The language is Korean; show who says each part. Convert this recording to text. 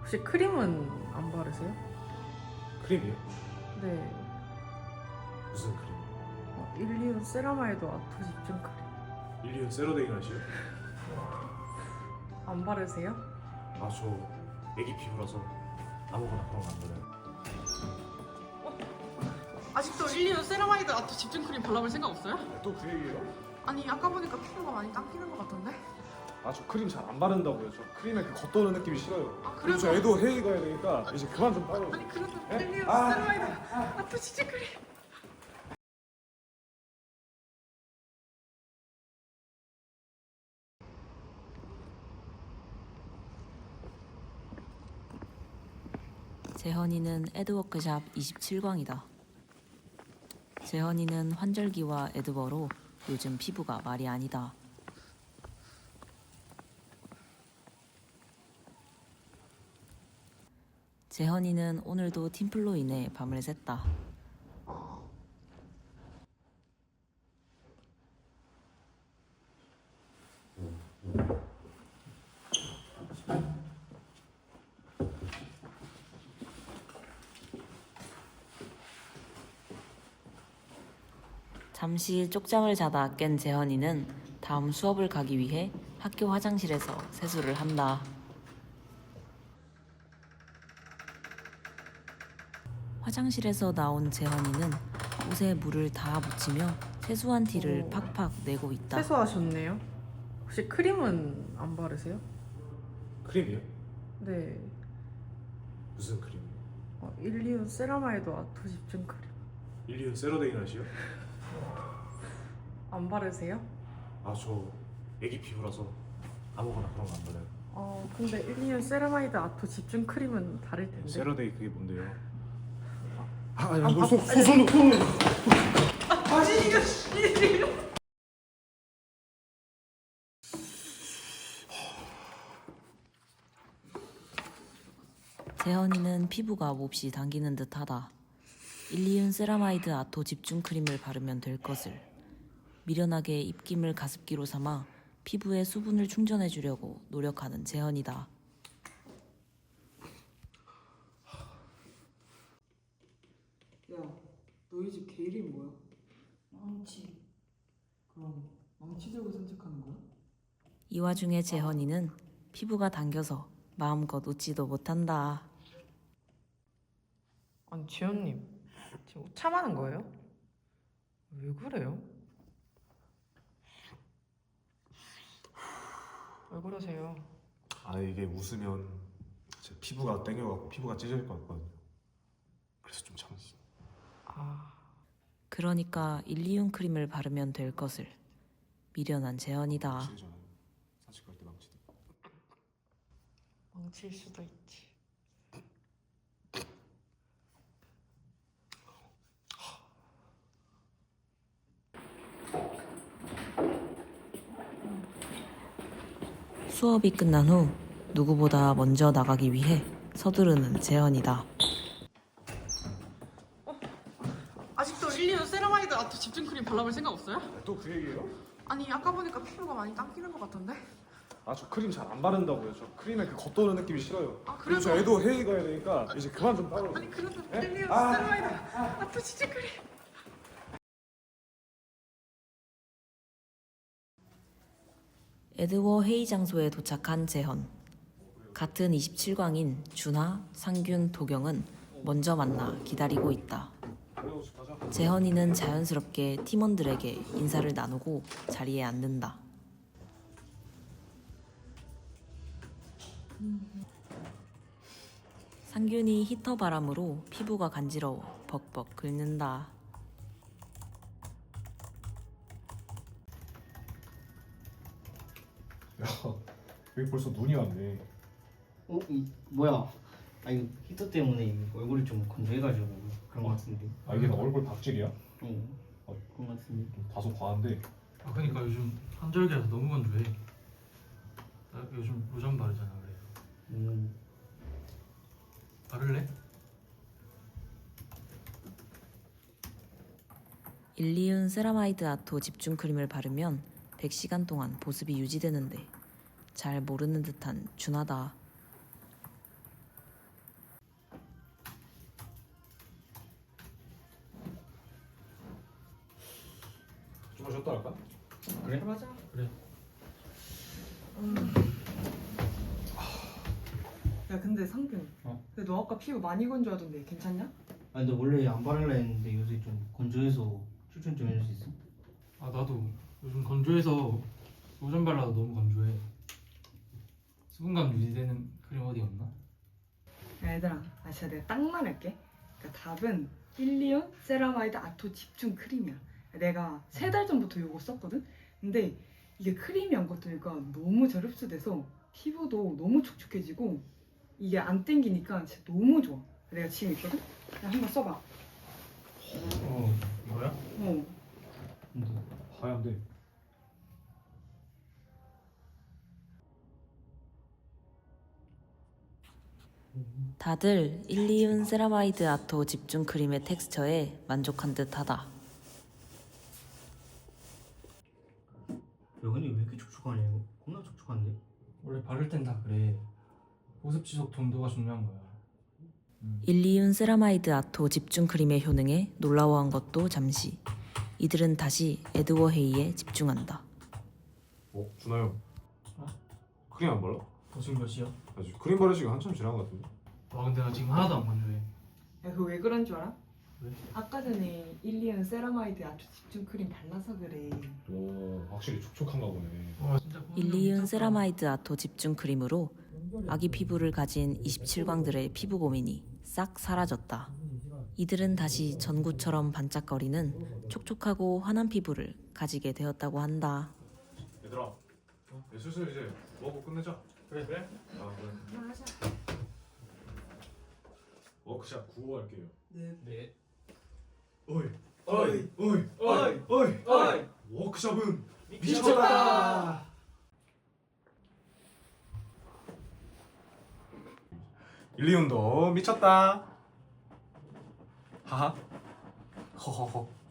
Speaker 1: 혹시 크림은 안 바르세요?
Speaker 2: 크림이요?
Speaker 1: 네.
Speaker 2: 무슨 크림?
Speaker 1: 1, 2온 세라마이드 아토 집중 크림.
Speaker 2: 일리온 세로데이 나시요?
Speaker 1: 안 바르세요?
Speaker 2: 저 애기 피부라서 아무거나 그런 거 안 발라요.
Speaker 1: 아직도 1, 2온 세라마이드 아토 집중 크림 발라볼 생각 없어요?
Speaker 2: 또 그 얘기예요?
Speaker 1: 아니 아까 보니까 피부가 많이 당기는 것 같던데?
Speaker 2: 저 크림 잘 안 바른다고요. 저 크림에 그 겉도는 느낌이 싫어요.
Speaker 1: 아,
Speaker 2: 그리고 저 애도 회의 가야 되니까 이제 그만 좀 따로.
Speaker 1: 아니 그래도
Speaker 2: 에?
Speaker 1: 1, 2온
Speaker 2: 아.
Speaker 1: 세라마이드 아토 집중 크림.
Speaker 3: 재헌이는 에드워크샵 27광이다. 재헌이는 환절기와 에드버로 요즘 피부가 말이 아니다. 재헌이는 오늘도 팀플로 인해 밤을 샜다. 잠시 쪽잠을 자다 깬 재헌이는 다음 수업을 가기 위해 학교 화장실에서 세수를 한다. 화장실에서 나온 재헌이는 옷에 물을 다 묻히며 세수한 티를 팍팍 내고 있다.
Speaker 1: 세수하셨네요. 혹시 크림은 안 바르세요?
Speaker 2: 크림이요?
Speaker 1: 네.
Speaker 2: 무슨 크림이요?
Speaker 1: 1, 2온 세라마이드 아토 집중 크림.
Speaker 2: 일리온 세로데이 나시요?
Speaker 1: 안 바르세요?
Speaker 2: 저 애기 피부라서 아무거나 그런 거 안 발라요.
Speaker 1: 근데 1, 2온 세라마이드 아토 집중 크림은 다를 텐데.
Speaker 2: 세로데이 그게 뭔데요? 손.
Speaker 3: 재헌이는 피부가 몹시 당기는 듯하다. 1,2온 세라마이드 아토 집중 크림을 바르면 될 것을. 미련하게 입김을 가습기로 삼아 피부에 수분을 충전해 주려고 노력하는 재헌이다.
Speaker 1: 야, 너희 집 개 이름 뭐야? 망치. 그럼 망치 들고 산책하는 거야?
Speaker 3: 이 와중에 재헌이는 피부가 당겨서 마음껏 웃지도 못한다.
Speaker 1: 아니 지연님 지금 참하는 거예요? 왜 그래요? 왜 그러세요?
Speaker 2: 이게 웃으면 제 피부가 땡겨갖고 피부가 찢어질 것 같거든요. 그래서 좀 참았어.
Speaker 3: 그러니까 1,2온 크림을 바르면 될 것을. 미련한 재헌이다.
Speaker 2: 사실 갈때 망치도.
Speaker 1: 망칠 수도 있지.
Speaker 3: 수업이 끝난 후 누구보다 먼저 나가기 위해 서두르는 재헌이다.
Speaker 1: 아직도 1, 2온 세라마이드 아토 집중 크림 발라볼 생각 없어요?
Speaker 2: 또 그 얘기예요?
Speaker 1: 아니 아까 보니까 피부가 많이 당기는 것 같던데?
Speaker 2: 저 크림 잘 안 바른다고요. 저 크림에 그 겉도는 느낌이 싫어요.
Speaker 1: 아,
Speaker 2: 그리고 저 애도 회의 가야 되니까 이제 그만 좀 따로.
Speaker 1: 아니 그래도
Speaker 2: 에?
Speaker 1: 1, 2온
Speaker 2: 아.
Speaker 1: 세라마이드 아토 집중 크림.
Speaker 3: 에드워 회의 장소에 도착한 재헌. 같은 27광인 준하, 상균, 도경은 먼저 만나 기다리고 있다. 재헌이는 자연스럽게 팀원들에게 인사를 나누고 자리에 앉는다. 상균이 히터 바람으로 피부가 간지러워 벅벅 긁는다.
Speaker 2: 야, 여기 벌써 눈이 왔네.
Speaker 4: 뭐야? 이거 히터 때문에 얼굴이 좀 건조해가지고 그런 것 같은데.
Speaker 2: 이게 얼굴 박질이야?
Speaker 4: 그런 것 같은데.
Speaker 2: 좀 다소 과한데.
Speaker 5: 그러니까 요즘 환절기라서 너무 건조해. 나 요즘 로션 바르잖아. 그래서 바를래?
Speaker 3: 1,2온 세라마이드 아토 집중 크림을 바르면 100시간 동안 보습이 유지되는데 잘 모르는 듯한 준하다.
Speaker 2: 이것도 할까?
Speaker 4: 그래?
Speaker 1: 맞아.
Speaker 5: 그래.
Speaker 1: 야 근데 상균. 근데 너 아까 피부 많이 건조하던데 괜찮냐?
Speaker 4: 아니 근데 원래 안 바르려 했는데 요새 좀 건조해서 추천 좀 해줄 수 있어?
Speaker 5: 아 나도 요즘 건조해서 로션 발라도 너무 건조해. 수분감 유지되는 크림 어디 없나?
Speaker 1: 야 얘들아, 진짜 내가 딱 말할게. 그러니까 답은 일리온 세라마이드 아토 집중 크림이야. 내가 3달 전부터 이거 썼거든? 근데 이게 크림이 안 걷으니까 너무 잘 흡수돼서 피부도 너무 촉촉해지고 이게 안 땡기니까 진짜 너무 좋아. 내가 지금 있거든? 야 한번 써봐.
Speaker 5: 이거야?
Speaker 1: 어.
Speaker 4: 근데
Speaker 2: 하얀데.
Speaker 3: 다들 일리윤 세라마이드 아토 집중 크림의 텍스처에 만족한 듯하다.
Speaker 4: 여근이 왜 이렇게 촉촉하냐 이거? 겁나 촉촉한데?
Speaker 5: 원래 바를 땐 다 그래. 보습 지속 정도가 중요한 거야.
Speaker 3: 일리윤 세라마이드 아토 집중 크림의 효능에 놀라워한 것도 잠시. 이들은 다시 에드워 헤이에 집중한다.
Speaker 2: 준하 형. 크림 안 발라?
Speaker 5: 너 지금 몇 시야?
Speaker 2: 아직 크림 바르시가 한참 지난 것 같은데.
Speaker 5: 와 근데 나 지금 하나도 안 건조해.
Speaker 1: 야 그거 왜 그런 줄 알아?
Speaker 5: 왜?
Speaker 1: 아까 전에 일리온 세라마이드 아토 집중 크림 발라서 그래.
Speaker 2: 오, 확실히 촉촉한가 보네.
Speaker 5: 와 진짜
Speaker 3: 일리윤 세라마이드 아토 집중 크림으로 아기 피부를 가진 27광들의 피부 고민이 싹 사라졌다. 이들은 다시 전구처럼 반짝거리는 촉촉하고 환한 피부를 가지게 되었다고 한다.
Speaker 2: 얘들아, 슬슬 이제 먹고 끝내자. 그래. 아 그래.
Speaker 1: 하자.
Speaker 2: 워크샵 9호 할게요.
Speaker 4: 네.
Speaker 2: 어이, 어이, 어이, 어이, 어이, 어이. 워크샵은 미쳤다. 일리온도 미쳤다. 하하. 허허허.